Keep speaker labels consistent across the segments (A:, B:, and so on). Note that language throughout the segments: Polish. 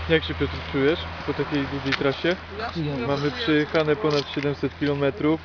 A: Jak się, Piotr, czujesz po takiej długiej trasie? Mamy przejechane ponad 700 km.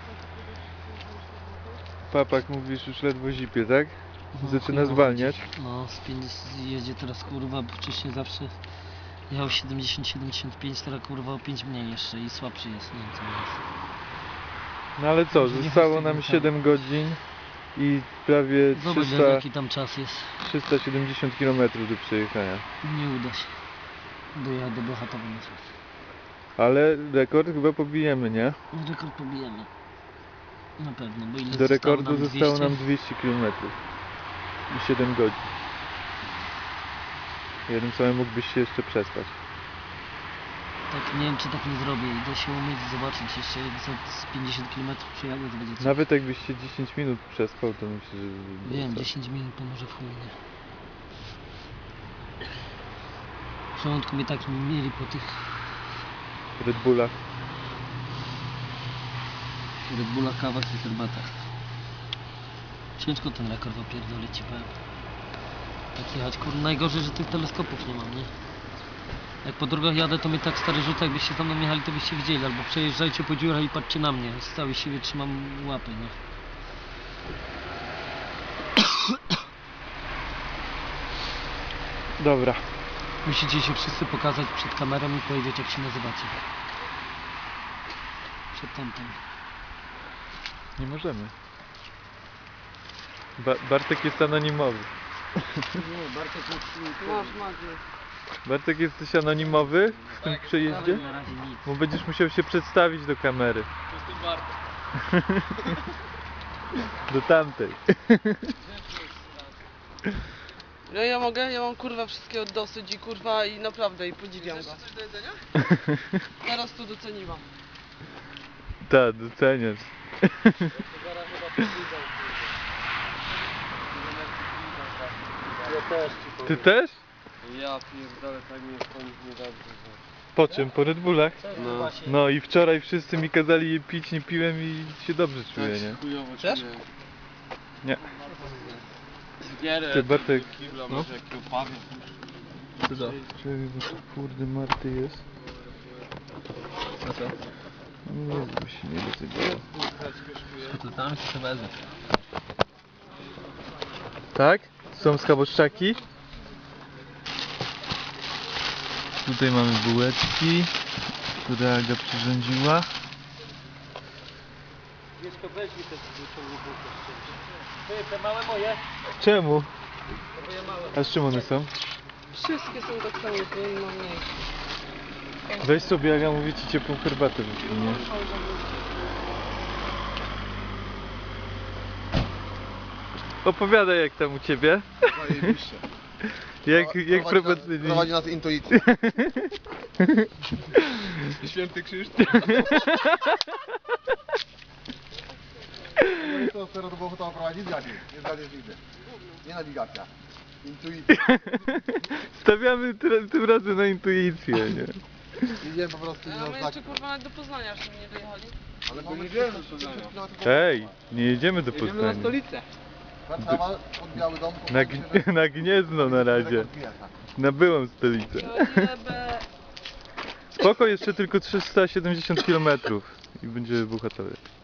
A: Papak, mówisz, już ledwo zipie, tak? Zaczyna zwalniać.
B: No, jedzie teraz kurwa, bo wcześniej zawsze jechał 70-75, teraz kurwa o 5 mniej jeszcze i słabszy jest, nie wiem co jest.
A: No ale co, zostało nam 7 godzin i prawie
B: Zobacz
A: 300,
B: jaki tam czas jest.
A: 370 km do przejechania.
B: Nie uda się dojechać do Bełchatowa na czas.
A: Ale rekord chyba pobijemy, nie?
B: Rekord pobijemy. Na pewno, bo ile
A: Do rekordu
B: nam
A: zostało
B: 200?
A: nam 200 km i 7 godzin. Jednym słowem mógłbyś się jeszcze przespać.
B: Tak, nie wiem czy tak nie zrobię. Idę się umyć i zobaczyć jeszcze jak z 50 km przejadę, to będzie coś.
A: Nawet jakbyś się 10 minut przespał, to myślę, że...
B: Wiem, 10 minut to może w chuj, nie? W żołądku mnie tak mieli po tych
A: Red Bullach.
B: Red Bulla, kawach i herbatach. Ciężko ten rekord opierdolić ci powiem. Tak jechać, kurde, najgorzej, że tych teleskopów nie mam, nie? Jak po drogach jadę, to mnie tak stary rzuca, jakbyście za mną jechali, to byście widzieli, albo przejeżdżajcie po dziurach i patrzcie na mnie, z całej siły trzymam łapy, nie?
A: Dobra.
B: Musicie się wszyscy pokazać przed kamerą i powiedzieć jak się nazywacie. Przed tamtym.
A: Nie możemy. Bartek jest anonimowy.
B: Nie, Bartek jest...
A: Bartek, jesteś anonimowy w tym przejeździe?
B: Na razie nic.
A: Bo będziesz musiał się przedstawić do kamery.
C: Jestem Bartek.
A: Do tamtej.
C: No ja mogę, ja mam kurwa wszystkiego dosyć i kurwa i naprawdę i podziwiam go. Coś do jedzenia? Teraz to doceniłam.
A: Tak, doceniasz.
B: Ja też ci powiem.
A: Ty też?
D: Ja pierdolę, tak mi jest po nich niedobrze.
A: Po czym? Po Red Bullach?
D: No.
A: No i wczoraj wszyscy mi kazali je pić, nie piłem i się dobrze czuję,
D: Tak
A: nie?
D: się chujowo
C: Chcesz?
D: czuję.
A: Nie.
D: Zbierę
A: Ty, Bartek,
D: do kibla,
A: no.
D: może jakiego pawia.
A: Czekaj, bo tu kurde Marty jest.
D: A co?
A: Nie, bo się nie dotykało.
D: To tam się wezmę.
A: Tak? Są schaboszczaki. Tutaj mamy bułeczki, które Aga przyrządziła.
B: Wieszko, weź mi te wyciągnij bułkę z czymś. Te małe moje?
A: Czemu?
B: Moje małe.
A: A z czym one są?
C: Wszystkie są tak samo, to nie mam mniejsze.
A: Weź sobie, Aga, mówię ci, ciepłą herbatę wypłynie. Opowiadaj jak tam u ciebie.
E: Zajebiście.
A: Jak prowadzi...
E: Prowadzi nas intuicja.
D: Święty Krzysztof.
E: To teraz było to prowadzić zgadnie. Nie zgadniesz nigdy. Nie nawigacja. Intuicja.
A: Stawiamy tym razem na intuicję, nie?
E: Idziemy po prostu
C: Ja
E: na
C: mamy
E: znak.
C: jeszcze kurwa nawet do Poznania, żeby nie dojechali.
E: Ale
D: Bo nie
E: mamy
D: wiemy,
E: 300
D: co
E: km.
A: Hej, nie jedziemy do
D: Jedziemy na
A: Poznania.
D: stolicę.
E: Warszawa od Biały Dom.
A: Na Gniezno na razie. Na byłą stolicę.
C: Jebę.
A: Spoko, jeszcze tylko 370 km i będzie Bełchatowie.